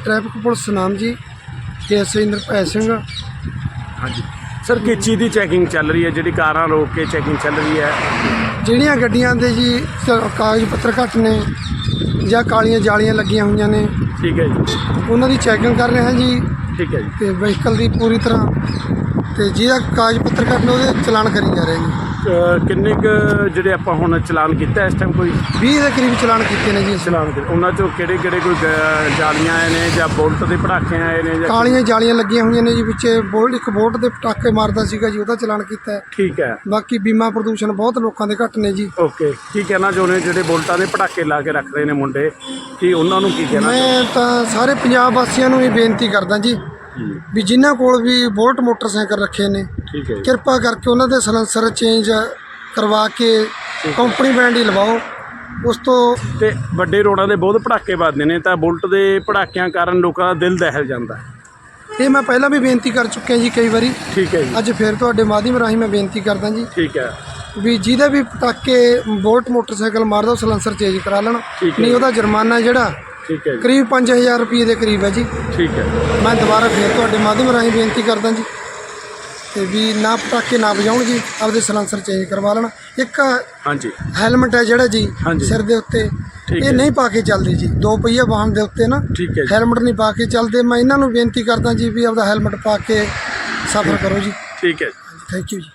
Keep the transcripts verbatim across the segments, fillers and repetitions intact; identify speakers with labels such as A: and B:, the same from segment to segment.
A: Traffic police नाम जी के S I इंद्रभै Singh.
B: हाँ जी सर, किस चीज़ की चैकिंग चल रही है जी? कारां रोक के चैकिंग चल रही है?
A: ਜਿਹੜੀਆਂ ਗੱਡੀਆਂ ਦੇ ਜੀ ਕਾਗਜ਼ ਪੱਤਰ ਘੱਟ ਨੇ ਜਾਂ ਕਾਲੀਆਂ ਜਾਲੀਆਂ ਲੱਗੀਆਂ ਹੋਈਆਂ ਨੇ,
B: ठीक है जी,
A: ਉਹਨਾਂ ਦੀ ਚੈਕਿੰਗ ਕਰ ਰਹੇ ਹਾਂ ਜੀ।
B: ठीक है जी।
A: ਤੇ ਵਹੀਕਲ ਦੀ ਪੂਰੀ ਤਰ੍ਹਾਂ, ਤੇ ਜਿਹਦਾ ਕਾਗਜ਼ ਪੱਤਰ ਘੱਟ ਨੇ ਉਹਦੇ ਚਲਾਨ ਕਰੀ ਜਾ ਰਹੇ ਨੇ।
B: ਅ, ਕਿੰਨੇ ਕੁ ਜਿਹੜੇ ਆਪਾਂ ਹੁਣ ਚਲਾਨ ਕੀਤਾ ਇਸ ਟਾਈਮ? ਕੋਈ
A: ਵੀਹ ਦੇ ਕਰੀਬ ਚਲਾਨ ਕੀਤੇ ਨੇ ਜੀ ਅਸੀਂ।
B: ਚਲਾਨ ਕੀਤੇ, ਉਹਨਾਂ ਚੋਂ ਕਿਹੜੇ ਕਿਹੜੇ? ਕੋਈ ਗ- ਜਾਲੀਆਂ ਆਏ ਨੇ ਜਾਂ ਬੁਲਟ ਦੇ ਪਟਾਕੇ ਆਏ ਨੇ ਜਾਂ?
A: ਕਾਲੀਆਂ ਜਾਲੀਆਂ ਲੱਗੀਆਂ ਹੋਈਆਂ ਨੇ ਜੀ ਵਿੱਚ। ਬੋਲਟ ਇੱਕ ਬੋਲਟ ਦੇ ਪਟਾਕੇ ਮਾਰਦਾ ਸੀਗਾ ਜੀ, ਉਹਦਾ ਚਲਾਨ ਕੀਤਾ ਹੈ।
B: ਠੀਕ ਹੈ।
A: ਬਾਕੀ ਬੀਮਾ ਪ੍ਰਦੂਸ਼ਣ ਬਹੁਤ ਲੋਕਾਂ ਦੇ ਘੱਟ ਨੇ ਜੀ।
B: ਓਕੇ, ਕੀ ਕਹਿਣਾ ਚਾਹੁੰਦੇ ਜਿਹੜੇ ਬੁਲਟਾਂ ਦੇ ਪਟਾਕੇ ਲਾ ਕੇ ਰੱਖਦੇ ਨੇ ਮੁੰਡੇ, ਕੀ ਉਹਨਾਂ ਨੂੰ ਕੀ ਕਹਿਣਾ?
A: ਮੈਂ ਤਾਂ ਸਾਰੇ ਪੰਜਾਬ ਵਾਸੀਆਂ ਨੂੰ ਇਹ ਬੇਨਤੀ ਕਰਦਾ ਜੀ ਵੀ ਜਿਨ੍ਹਾਂ ਕੋਲ ਵੀ ਬੁਲਟ ਮੋਟਰਸਾਈਕਲ ਰੱਖੇ ਨੇ,
B: ਠੀਕ ਹੈ ਜੀ।
A: ਕਿਰਪਾ ਕਰਕੇ ਉਹਨਾਂ ਦੇ ਸਲੈਂਸਰ ਚੇਂਜ ਕਰਵਾ ਕੇ ਕੰਪਨੀ ਬ੍ਰਾਂਡ ਹੀ ਲਵਾਓ। ਉਸ ਤੋਂ
B: ਤੇ ਵੱਡੇ ਰੋਡਾਂ ਦੇ ਬਹੁਤ ਪਟਾਕੇ ਵੱਜਦੇ ਨੇ, ਤਾਂ ਬੁਲਟ ਦੇ ਪਟਾਕਿਆਂ ਕਾਰਨ ਲੋਕਾਂ ਦਾ ਦਿਲ ਦਹਿਲ ਜਾਂਦਾ।
A: ਇਹ ਮੈਂ ਪਹਿਲਾਂ ਵੀ ਬੇਨਤੀ ਕਰ ਚੁੱਕਿਆ ਜੀ ਕਈ ਵਾਰੀ।
B: ਠੀਕ ਹੈ ਜੀ।
A: ਅੱਜ ਫਿਰ ਤੁਹਾਡੇ ਮਾਧਿਅਮ ਰਾਹੀਂ ਮੈਂ ਬੇਨਤੀ ਕਰਦਾ ਜੀ
B: ਠੀਕ ਹੈ
A: ਵੀ ਜਿਹਦੇ ਵੀ ਪਟਾਕੇ ਬੁਲਟ ਮੋਟਰਸਾਈਕਲ ਮਾਰਦਾ ਉਹ ਸਲੈਂਸਰ ਚੇਂਜ ਕਰਾ ਲੈਣ,
B: ਠੀਕ ਹੈ।
A: ਨਹੀਂ ਉਹਦਾ ਜੁਰਮਾਨਾ ਜਿਹੜਾ
B: ਠੀਕ ਹੈ ਜੀ।
A: ਕਰੀਬ ਪੰਜ ਹਜ਼ਾਰ ਰੁਪਏ ਦੇ ਕਰੀਬ ਹੈ ਜੀ।
B: ਠੀਕ ਹੈ।
A: ਮੈਂ ਦੁਬਾਰਾ ਫਿਰ ਤੁਹਾਡੇ ਮਾਧਿਅਮ ਰਾਹੀਂ ਬੇਨਤੀ ਕਰਦਾ ਜੀ ਤੇ ਵੀ ਨਾ ਪਟਾਕੇ ਨਾ ਵਜਾਉਣ ਜੀ, ਆਪਦੇ ਸਲੈਂਸਰ ਚੇਂਜ ਕਰਵਾ ਲੈਣ। ਇੱਕ
B: ਹਾਂਜੀ
A: ਹੈਲਮਟ ਹੈ ਜਿਹੜਾ ਜੀ
B: ਹਾਂਜੀ।
A: ਸਿਰ ਦੇ ਉੱਤੇ,
B: ਠੀਕ
A: ਇਹ
B: ਹੈ।
A: ਨਹੀਂ ਪਾ ਕੇ ਚੱਲਦੇ ਜੀ। ਦੋ ਪਹੀਆ ਵਾਹਨ ਦੇ ਉੱਤੇ ਨਾ
B: ਠੀਕ ਹੈ ਜੀ।
A: ਹੈਲਮਟ ਨਹੀਂ ਪਾ ਕੇ ਚੱਲਦੇ। ਮੈਂ ਇਹਨਾਂ ਨੂੰ ਬੇਨਤੀ ਕਰਦਾ ਜੀ ਵੀ ਆਪਦਾ ਹੈਲਮਟ ਪਾ ਕੇ ਸਫ਼ਰ ਕਰੋ ਜੀ।
B: ਠੀਕ ਹੈ।
A: ਥੈਂਕ ਯੂ ਜੀ।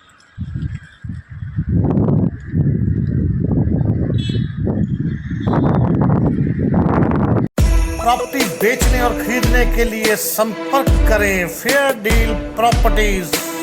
C: प्रॉपर्टी बेचने और खरीदने के लिए संपर्क करें फेयर डील प्रॉपर्टीज।